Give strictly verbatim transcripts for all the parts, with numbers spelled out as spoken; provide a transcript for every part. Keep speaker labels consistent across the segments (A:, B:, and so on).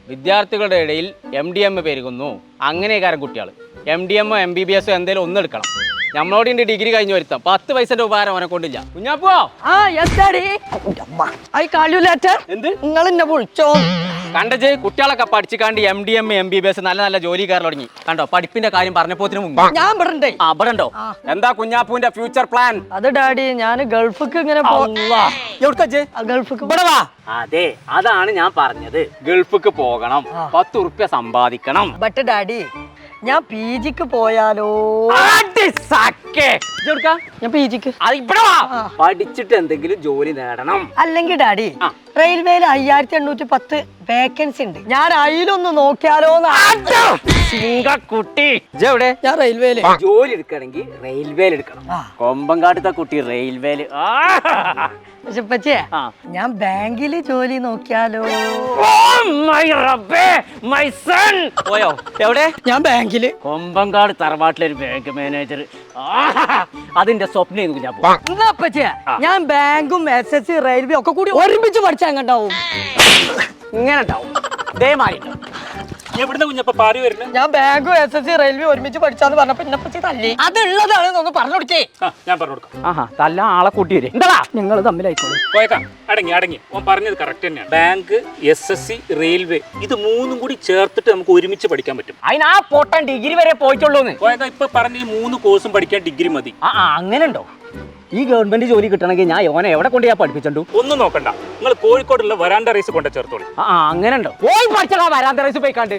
A: വിദ്യാർത്ഥികളുടെ ഇടയിൽ M D M പെരുകുന്നു. അങ്ങനെയൊക്കെ കുട്ടികൾ എം ഡി എമ്മോ എം ബി ബി എസോ എന്തെങ്കിലും ഒന്ന് എടുക്കണം. നമ്മളോട് ഇന്റെ ഡിഗ്രി കഴിഞ്ഞ് വരുത്താം. പത്ത് പൈസന്റെ ഉപകാരം അവനെ കൊണ്ടില്ല. കുഞ്ഞാപ്പോ എന്ത്
B: നിങ്ങൾ എന്നെ വിളിച്ചോ?
A: കണ്ടജ് കുട്ടികളൊക്കെ പഠിച്ചിക്കാണ്ട് M D M M B B S നല്ല നല്ല ജോലി കയറി തുടങ്ങി. കണ്ടോ പഠിപ്പിന്റെ കാര്യം പറഞ്ഞപ്പോത്തിന് മുമ്പ്
B: ഞാൻ ഇവിടെ
A: ആ ഇവിടെ ഉണ്ടോ? എന്താ കുഞ്ഞാപ്പൂന്റെ ഫ്യൂച്ചർ പ്ലാൻ?
B: അത് ഡാഡി ഞാൻ ഗൾഫിക്ക് ഇങ്ങനെ ഗൾഫിക്ക്
A: അതെ അതാണ് ഞാൻ പറഞ്ഞത്. ഗൾഫിക്ക് പോകണം, പത്ത് ഉറുപ്യ സമ്പാദിക്കണം.
B: ബട്ട് ഡാഡി ഞാൻ പി ജിക്ക് പോയാലോ? ഞാൻ പി ജിക്ക്
A: പഠിച്ചിട്ട് എന്തെങ്കിലും ജോലി നേടണം.
B: അല്ലെങ്കിൽ ഡാഡി റെയിൽവേയിൽ അയ്യായിരത്തി എണ്ണൂറ്റി പത്ത് വേക്കൻസി ഉണ്ട്. ഞാൻ അതിലൊന്ന് നോക്കിയാലോ?
A: കുട്ടി എവിടെ?
B: ഞാൻ റെയിൽവേയില്
A: ജോലി എടുക്കണമെങ്കിൽ റെയിൽവേയിൽ എടുക്കണം. കൊമ്പങ്കാട്ടത്തെ കുട്ടി റെയിൽവേയില്.
B: പക്ഷെ പച്ചേ ഞാൻ ബാങ്കില് ജോലി നോക്കിയാലോ?
A: പോയോ? എവിടെ?
B: ഞാൻ ബാങ്കില്
A: കൊമ്പങ്കാട് തറവാട്ടിലൊരു ബാങ്ക് മാനേജർ. അതിന്റെ സ്വപ്നം
B: പച്ചേ ഞാൻ ബാങ്കും എസ് എസ് സി റെയിൽവേ ഒക്കെ കൂടി ഒരുമിച്ച് പഠിച്ചാൽ എങ്ങണ്ടാവും?
A: ഇങ്ങനെ ഉണ്ടാവും. ഇതേമാതിരി
B: ഞാൻ ബാങ്കും എസ് എസ് സി റെയിൽവേ ഒരുമിച്ച് പഠിച്ചാന്ന് പറഞ്ഞപ്പോ എന്നെ പറ്റി തല്ലി. അതുള്ളതാണ് ഒന്ന് പറഞ്ഞു കൊടുക്കേ.
C: ഞാൻ പറഞ്ഞു കൊടുക്കാം.
A: ആഹാ തല്ല ആളെ കൂട്ടി വരും. എന്താ
B: നിങ്ങൾ തമ്മിലായിക്കോളൂ.
C: അടങ്ങി അടങ്ങി ഓൻ പറഞ്ഞത് കറക്റ്റ് തന്നെയാണ്. Bank, S S C, railway ഇത് മൂന്നും കൂടി ചേർത്തിട്ട് നമുക്ക് ഒരുമിച്ച് പഠിക്കാൻ പറ്റും.
A: അതിന് ആ പൊട്ടൻ ഡിഗ്രി വരെ പോയിട്ടുള്ളൂന്ന്
C: ഇപ്പൊ പറഞ്ഞ ഈ മൂന്ന് കോഴ്സും പഠിക്കാൻ ഡിഗ്രി മതി.
A: ആ അങ്ങനെ ഉണ്ടോ? ഈ ഗവൺമെന്റ് ജോലി കിട്ടണമെങ്കിൽ ഞാൻ ഓനെ എവിടെ കൊണ്ട് ഞാൻ പഠിപ്പിച്ചു?
C: ഒന്നും നോക്കണ്ട, നിങ്ങൾ കോഴിക്കോടുള്ള വരാണ്ട റൈസ് കൊണ്ട് ചേർത്തോളൂ.
A: ആ അങ്ങനെ ഉണ്ടോ? പോയി പഠിച്ചാ വരാന്ത റൈസ് പോയിക്കാണ്ട്.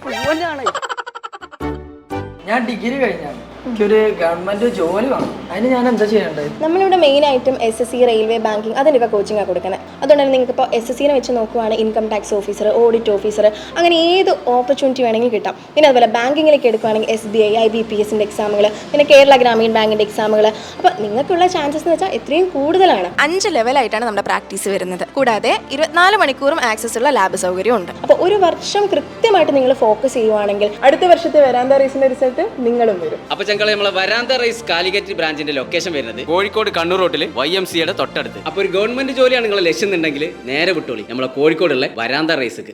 B: ഞാൻ ഡിഗ്രി കഴിഞ്ഞാണ്, എനിക്കൊരു ഗവൺമെന്റ് ജോലി വേണം. അതിന് ഞാൻ എന്താ ചെയ്യേണ്ടത്?
D: നമ്മളിവിടെ മെയിൻ ആയിട്ടും S S C, railway, banking അതിൻ്റെയൊക്കെ കോച്ചിങ്ങാണ് കൊടുക്കുന്നത്. അതുകൊണ്ട് തന്നെ നിങ്ങൾക്ക് ഇപ്പോൾ എസ് എസ് സിനെ വെച്ച് നോക്കുവാണെങ്കിൽ income tax officer, audit officer, അങ്ങനെ ഏത് ഓപ്പർച്യൂണിറ്റി വേണമെങ്കിൽ കിട്ടാം. പിന്നെ അതുപോലെ ബാങ്കിങ്ങിലേക്ക് എടുക്കുകയാണെങ്കിൽ S B I, I B P എസിൻ്റെ എക്സാമുകൾ, പിന്നെ കേരള ഗ്രാമീൺ ബാങ്കിൻ്റെ എക്സാമുകൾ. അപ്പോൾ നിങ്ങൾക്കുള്ള ചാൻസസ് എന്ന് വെച്ചാൽ എത്രയും കൂടുതലാണ്.
E: അഞ്ച് ലെവലായിട്ടാണ് നമ്മുടെ പ്രാക്ടീസ് വരുന്നത്. കൂടാതെ ഇരുപത്തിനാല് മണിക്കൂറും ആക്സസ് ഉള്ള ലാബ് സൗകര്യം ഉണ്ട്.
D: അപ്പോൾ ഒരു വർഷം കൃത്യമായിട്ട് നിങ്ങൾ ഫോക്കസ് ചെയ്യുവാണെങ്കിൽ അടുത്ത വർഷത്തെ വരാന്ത റേസിൻ്റെ റിസൾട്ട് നിങ്ങളും വരും.
A: അപ്പൊ ഞങ്ങൾ നമ്മളെ വരാന്ത റൈസ് കാലിക്കറ്റ് ബ്രാഞ്ചിന്റെ ലൊക്കേഷൻ വരുന്നത് കോഴിക്കോട് കണ്ണൂർ റോഡിൽ വൈ എം സിയുടെ തൊട്ടടുത്ത്. അപ്പൊ ഒരു ഗവൺമെന്റ് ജോലിയാണ് നിങ്ങളെ ലക്ഷ്യം എന്നുണ്ടെങ്കിൽ നേരെ വിട്ടോളി നമ്മളെ കോഴിക്കോടുള്ള വരാന്ത റൈസ്ക്ക്.